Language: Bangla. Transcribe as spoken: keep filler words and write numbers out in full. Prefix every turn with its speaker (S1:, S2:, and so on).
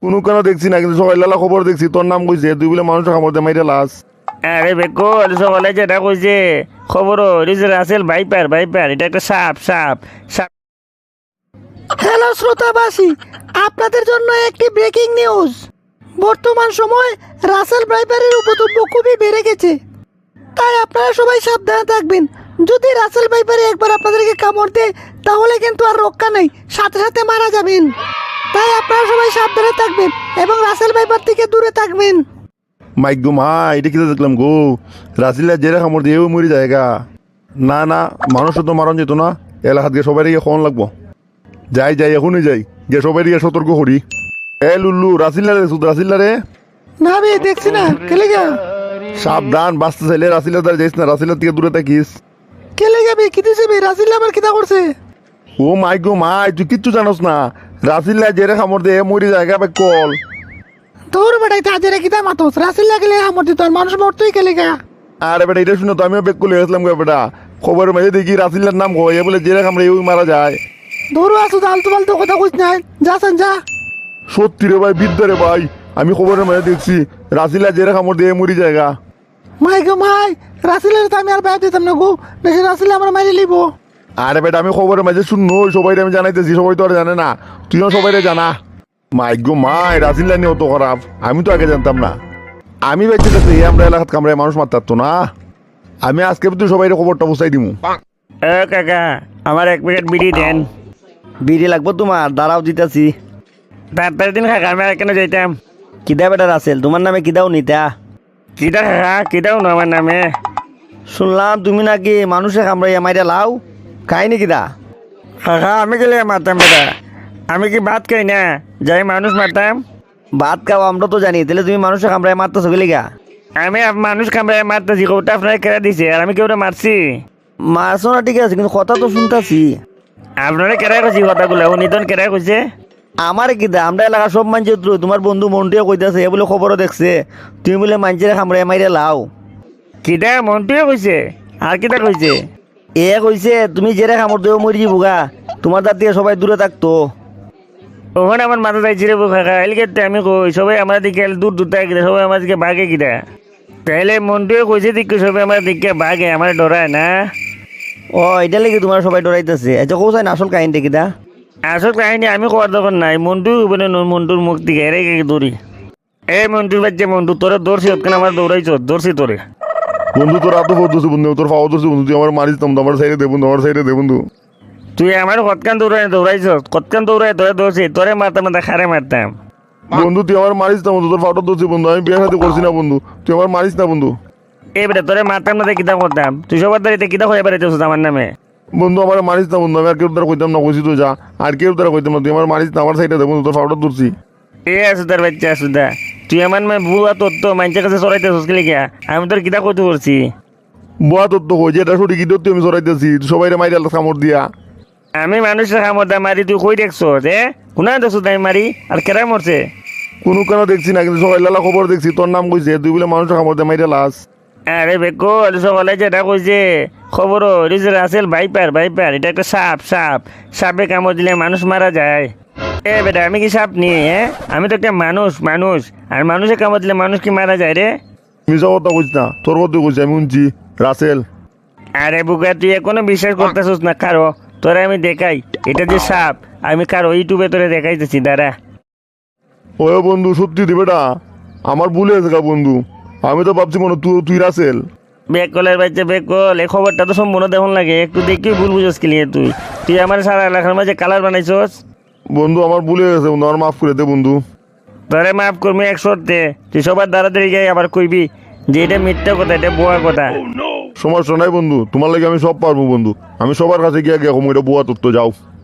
S1: কোনো কেন দেখছি না, কিন্তু সকাল বেলা খবর দেখছি তোর নাম কইছে, তুই বলে মানুষ খামর দে মাইরে লাস।
S2: আরে বেকল সকালে যেটা কইছে খবর হইছে রাসেল ভাইপার ভাইপার, এটা একটা সাপ সাপ সাপ।
S3: হ্যালো শ্রোতাবাসী, আপনাদের জন্য একটি ব্রেকিং নিউজ। বর্তমান সময় রাসেল ভাইপারের উপদ্রব খুবই বেড়ে গেছে, তাই আপনারা সবাই সাবধানে থাকবেন। যদি রাসেল ভাইপারে একবার আপনাদেরকে কামড় দেয় তাহলে কিন্তু আর রক্ষা নেই, সাথে সাথে মারা যাবেন। তাই আপনারা সবাই সাবধানে থাকবেন এবং রাসেল ভাইপার থেকে দূরে থাকবেন।
S1: মাইক গো মা, এটা কি দেখলাম গো, রাসিল্লা জেরে খামর দিয়ে মরি জায়গা। না না, মানুষ তো মারণ যেত না, এলাকাত গিয়ে সবাই গিয়ে খন লাগবো। যাই যাই এখনই যাই, গিয়ে সবাই গিয়ে সতর্ক করি। এ লুল্লু, রাসিল্লা রে সুদ রাসিল্লা রে।
S3: না বে দেখছি না, কেলে গা
S1: সাবধান, বাঁচতে চাইলে রাসিল্লা দ্বারা যাইস না, রাসিল্লার থেকে দূরে থাকিস।
S3: কেলে যাবে কি দিছে বে? রাসেল আবার কিতা করছে?
S1: ও মাইক গো মা, তুই কিচ্ছু জানোস না, রাসিল্লা জেরে খামর দিয়ে মরি জায়গা বে কল।
S3: তোর বেটাই তাজেরে কিতা মাতস? রাসেল লাগলে আমার দিত আর মানুষ মরতই কেলে গা।
S1: আরে বেটা এটা শুনে তো আমিও বেক করে গেছিলাম গো বেটা, খবরের মাঝে দেখি রাসিল্লার নাম কয়, এ বলে জেরে খামরে এই মারা যায়।
S3: ধরো আসো, আলতু ফালতু কথা কইস না, যা সান যা।
S1: সত্যি রে ভাই, বিদ্যা রে ভাই, আমি খবরের মাঝে দেখছি রাসিল্লা জেরে খামর দিয়ে মরি জায়গা।
S3: মাই গো মাই, রাসেলের তো আমি আর বাইরে দিতাম না গো, বেশি রাসেল আমার মাইরে লিব।
S1: আরে বেটা আমি খবরের মাঝে শুননো, সবাই আমি জানাইতেছি, সবাই তো আর জানে না, তুইও সবাই জানা। মাইক গো মাই, রাসিল্লা নিয়ে অত খারাপ, আমি তো আগে জানতাম না। আমি বেঁচে গেছি আমরা এলাকাত কামড়ায় মানুষ মারতে পারতো না। আমি আজকে তুই সবাই খবরটা বুঝাই দিমু।
S2: এ কাকা, আমার এক প্যাকেট বিড়ি দেন।
S4: বিড়ি লাগবো তোমার? দাঁড়াও দিতাছি।
S2: তাড়াতাড়ি দিন কাকা, আমি আর কেন যাইতাম।
S4: কিদা বেটা রাসেল, তোমার নামে কিদাও নিতা?
S2: কিটা কাকা, কিটাও না আমার নামে।
S4: শুনলাম তুমি নাকি মানুষে কামড়াইয়া মাইরা লাও, কাহিনি কিদা?
S2: কাকা আমি গেলে মারতাম বেটা, আমি কি ভাত খাই না যাই মানুষ মারতাম?
S4: ভাত খাও আমরা তো জানি, তাহলে তুমি মানুষে কামড়াইয়া মারতেছো গেলি গা?
S2: আমি আপ- মানুষ কামড়ে মারতেছি, ওটা আপনারা কেড়ে দিছে আর আমি কেউটা মারছি?
S4: মারছো না ঠিক আছে, কিন্তু কথা তো শুনতাছি।
S2: আপনারা কেড়ে কইছি কথাগুলো, ও নিতন কেড়ে কইছে।
S4: আমার কিদা, আমরা এলাকা সব মানছে, তোমার বন্ধু মন্টুয়ে কইতাছে, এ বলে খবরও দেখছে তুমি বলে মানছে কামড়াইয়া মাইরা লাও।
S2: কিটা মন্টুয়ে কইছে আর কিটা কইছে?
S4: এ কইছে তুমি জেরে কামড় দেও মরি যাবুগা, তোমার দাঁত দিয়ে সবাই দূরে থাকতো।
S2: ওখানে আমার মাথা যাইছি রে কাকা, এলিকে আমি কই সবাই আমার দিকে দূর দূর থাকে, সবাই আমার দিকে বাঘে কিটা। তাইলে মন্টুয়ে কইছে দিকে সবাই আমার দিকে বাঘে, আমার ডরায় না।
S4: ও এটা লেগে তোমার সবাই ডরাইতেছে। আচ্ছা কোথায় না আসল কাহিনীটা কিদা?
S2: আসল কাহিনী আমি কোয়ার দরকার নাই, মন্টু বলে মন্টুর মুখ দিকে এরে দৌড়ি। এই মন্টুর বাচ্চা মন্টু, তোরা দৌড়ছি ওখানে আমার দৌড়াইছ, দৌড়ছি তোরে।
S1: বন্ধু তোর আতো ফোর দোষে বন্ধু, তোর ফাও দোষে বন্ধু, তুই আমার মারিস তো, আমার সাইডে দে বন্ধু, আমার সাইডে দে বন্ধু।
S2: তুই আমার কতকান দৌড়াই দৌড়াইছ, কতকান দৌড়াই তোরে দৌড়ছি, তোরে মারতাম না খারে মারতাম।
S1: বন্ধু তুই আমার মারিস না বন্ধু, তোর ফাউটা দোষে বন্ধু, আমি বিয়ে সাথে করছি না বন্ধু, তুই আমার মারিস না বন্ধু।
S2: এই বেটা তোরে মারতাম না কিতা করতাম, তুই সবার দাঁড়িয়ে কিতা হয়ে বেড়াইতেছ আমার নামে।
S1: বন্ধু আমার মারিস না বন্ধু, আমি আর কেউ দ্বারা কইতাম না, কইছি তুই যা, আর কেউ দ্বারা কইতাম না, তুই আমার মারিস না, আমার সাইডে দে বন্ধু, তোর ফাউটা দূরছি।
S2: এ আসুদার বাচ্চা আসুদা, তুই আমার মেয়ে বুয়া তোর তো মানুষের কাছে চড়াইতেছিস কি লিখা? আমি তোর কিতা কইতে করছি?
S1: বুয়া তোর তো কই যে এটা সঠিক, কি তুই আমি সরাইতেছি সবাই মাইরে আল্লাহ কামড় দিয়া।
S2: আমি মানুষের খামদা মারি, তুই কই দেখছ যে কোনা দেখছ তাই মারি আর কেরা মরছে?
S1: কোনো কেন দেখছি না, কিন্তু সকাল বেলা খবর দেখছি তোর নাম কইছে, তুই বলে মানুষ কামড় দিয়ে মাইরে লাস।
S2: আরে বেকল সকালে যেটা কইছে খবর হইছে রাসেল ভাইপার ভাইপার, এটা একটা সাপ সাপ, সাপে কামড় দিলে মানুষ মারা যায়। এ বেটা আমি কি সাপ নিয়ে, হ্যাঁ আমি তো একটা মানুষ মানুষ, আর মানুষের কামড় দিলে মানুষ কি মারা যায় রে?
S1: মিশা কথা কইস না, তোর কথা কইছি আমি শুনছি রাসেল।
S2: আরে বুকা তুই এখনো বিশ্বাস করতেছিস না কারো? তোরা আমি দেখাই এটা যে সাপ, আমি কারো ইউটিউবে তোরে দেখাইতেছি দাঁড়া।
S1: ও বন্ধু সত্যি দি বেটা, আমার ভুলে গেছে গা বন্ধু, আমি তো ভাবছি মনে তুই তুই রাসেল।
S2: বেকলের বাচ্চা বেকল, এই খবরটা তো সম্পূর্ণ দেখুন লাগে, একটু দেখি ভুল বুঝোস কি নিয়ে তুই তুই আমার সারা এলাকার মাঝে কালার বানাইছস।
S1: বন্ধু আমার ভুলে গেছে বন্ধু, আমার মাফ করে দে বন্ধু।
S2: তোরে মাফ করবি এক শর্তে, তুই সবার দাঁড়াতাড়ি যাই আবার কইবি যে এটা মিথ্যা কথা, এটা বোয়া কথা।
S1: সমস্যা নাই বন্ধু, তোমার লাগে আমি সব পারবো বন্ধু, আমি সবার কাছে গিয়ে গিয়ে এটা বুয়া তত্ত্ব যাও।